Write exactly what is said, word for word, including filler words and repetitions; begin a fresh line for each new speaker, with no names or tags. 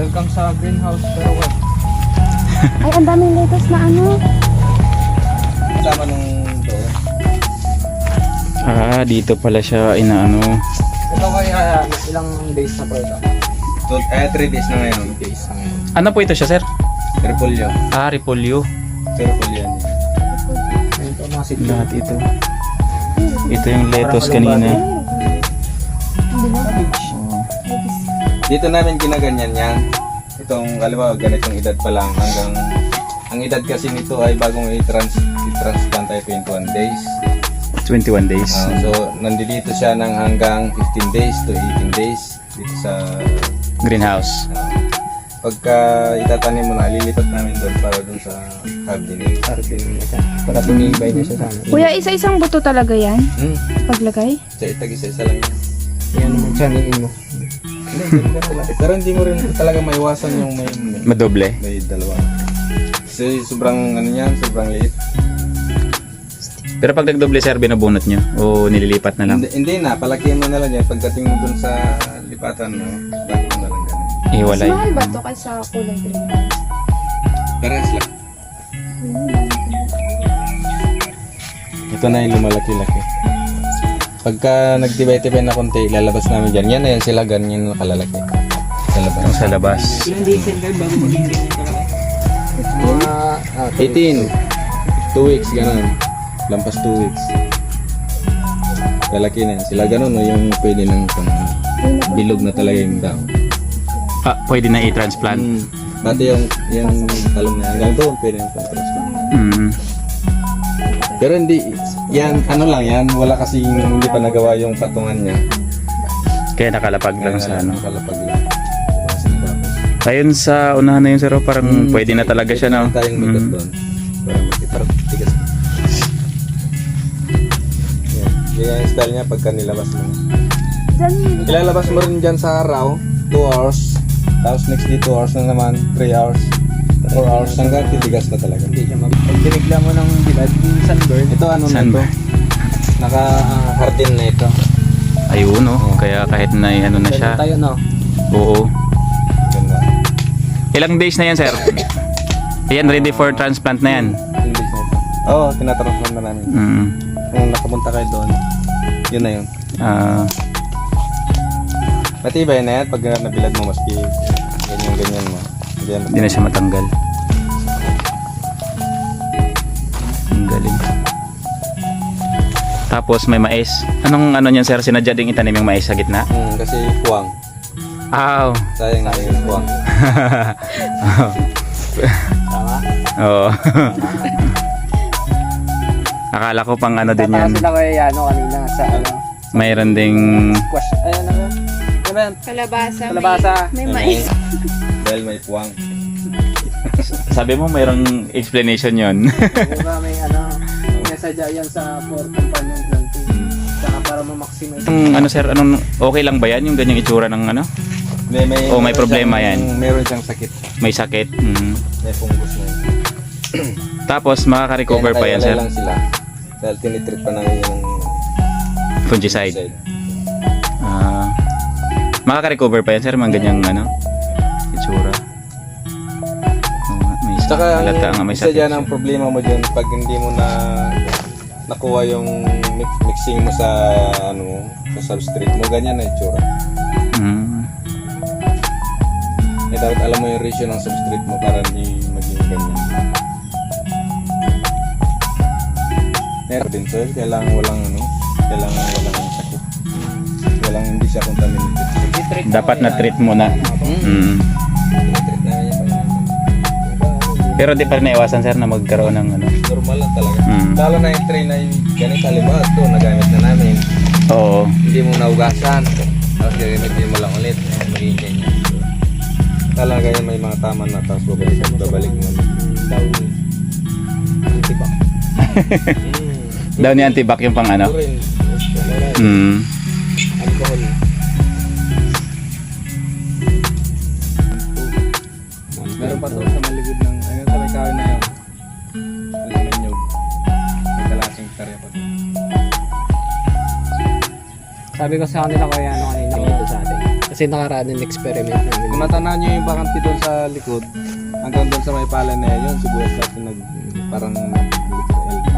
Welcome sa greenhouse pero what?
Ay, ang daming lettuce na ano.
Kasama nung doon.
Ah, dito pala siya inaano.
Ito kaya ilang days na po ito?
So, eh, three days na ngayon.
Days na ngayon.
Ano po ito siya, sir?
Repolyo.
Ah, repolyo.
So, repolyo yan.
Ayun po mga sitlo.
Lahat ito. Ito yung lettuce kanina.
Dito namin ginaganyan yan. Itong, kaliwa, ganitong edad pa lang hanggang, ang edad kasi nito ay bagong i-trans, i-transplant tayo twenty-one days.
twenty-one days.
Ah, so, nandito siya ng hanggang fifteen days to eighteen days dito sa
Greenhouse.
ah, pagka itatanim mo na, lilipat namin doon para doon sa gardening.
Arvin na siya. Para tumibay na siya sa amin.
Kuya, isa-isang buto talaga yan?
Hmm,
Paglagay?
sa itag-isa-isa lang yan.
Yan naman channelin mo.
Hindi, hindi ka malaki. Pero hindi mo rin talaga maiwasan yung may, may,
Madoble.
may dalawa. Kasi sobrang ano yan, sobrang liit.
Pero pag nagdoble, sir, binubunot nyo? O nililipat na lang?
Hindi, hindi na, palakihin mo na lang yan. Pagdating mo dun sa lipatan mo, bakit mo na lang ganun.
Mas
Iwalay.
mahal ba ito kaysa kulay green?
Parehas lang. Ito na yung lumalaki-laki. Pagka nagtibay-tibay na konti, lalabas namin dyan. Yan na yan sila, ganyan na kalalaki. Sa labas.
Sa labas.
Ilang days yan kayo bago maging green yung kalaki? Mga ah,
eighteen. two weeks, ganun. Lampas two weeks. Lalaki na yan. Sila ganun, no, yung pwede ng pang bilog na talaga yung dao.
Ah, pwede na i-transplant.
Mm. Pati yung, yung talong na hanggang doon, pwede yung pang-transplant.
Mm.
Pero hindi, yan, ano lang yan, wala kasi hindi pa nagawa yung patungan niya.
Kaya nakalapag lang sa ano.
Kalapag lang.
Ayun sa unahan na yun, sir, oh, parang
Hmm,
pwede na talaga siya, no?
Tayong magat
Mm.
doon. Para magkiparang tigas. Yan, yan yung style niya pagka nilabas mo.
Diyan,
Ilalabas mo rin dyan sa araw, two hours. Tapos next day two hours na naman, three hours, four hours hanggang titigas na talaga.
hindi siya mag... Pag binigla mo ng bilad, yung sunburn,
Ito ano na
Saan
ito?
ba?
Naka-harden na ito.
Ayun, no? Kaya kahit na ano na siya.
tayo no?
Oo.
Ganda.
Ilang days na yan, sir? Ayan, ready for transplant na yan.
Hindi na ito. Oo, tinatransform na namin.
Mm.
Kung nakapunta kayo doon, yun na yun.
Ah,
Matibay na yan pag nabilad mo maski ganyan-ganyan mo. Ganyan.
hindi na siya matanggal. Ang galing. Tapos may mais. Anong ano niyan, sir? Sinadya ding itanim yung mais sa gitna?
Hmm, kasi puwang.
Aw.
Sayang na yung puwang.
Tama?
Oo. Akala ko pang ano din yan.
Tataas sila kay ano kanina sa ano.
Mayroon ding
Squash. Ayun ano. Ano ba yan?
kalabasa.
Kalabasa.
May, may mais.
Dahil may puwang.
sabi mo mayroong explanation yon.
Diba may ano. May sadya yan sa for companion planting. Saka para ma-maximize.
Ang ano, sir, anong okay lang ba yan yung ganyang itsura ng ano?
May, may,
Oh, may
meron
problema
siyang-
yan.
Meron siyang sakit.
May sakit. Mm.
May fungus na yun.
Tapos makaka-recover pa yan, sir.
Kaya nakaiwalay lang sila. Dahil tinitreat pa namin yung
Fungicide. Ah. Makaka-recover pa yan, sir, mga ganyang ano itsura. Oo nga, may sakit.
Tsaka ang
Halata nga may
isa
sakit
dyan
siya.
ang problema mo dyan pag hindi mo na nakuha yung mix, mixing mo sa ano sa substrate mo, ganyan na itsura.
Mm.
Eh, dapat alam mo yung ratio ng substrate mo para hindi maging ganyan. Meron din soil, kailangan walang ano, kailangan walang sakit. Walang hindi siya contaminated.
Dapat na treat mo na. Mm.
Tinitreat namin yan.
Pero di pa rin naiwasan, sir, na magkaroon ng ano.
Normal lang talaga.
Mm.
Lalo na yung tray na yung ganito, halimbawa ito, nagamit na namin.
Oo.
Hindi mo naugasan. Tapos gagamitin mo lang ulit. Eh, magiging ganyan. Talaga yan may mga tama na tapos babalik, babalik mo.
Daw. Diba?
Daw ni antibac yung pang ano.
Ito rin.
Mm.
Alcohol. Meron pa to sa maligid ng ayun sa may kahoy na yun. Sa may nyug. May kalasing karya pa. Sabi ko sa kanila kaya ano kanina dito sa atin. Kasi
Kasi nakaraan yung experiment namin.
Kung natanaw nyo yung bakante doon sa likod, hanggang doon sa may pala na yun, yung sibuyas natin nag, parang nag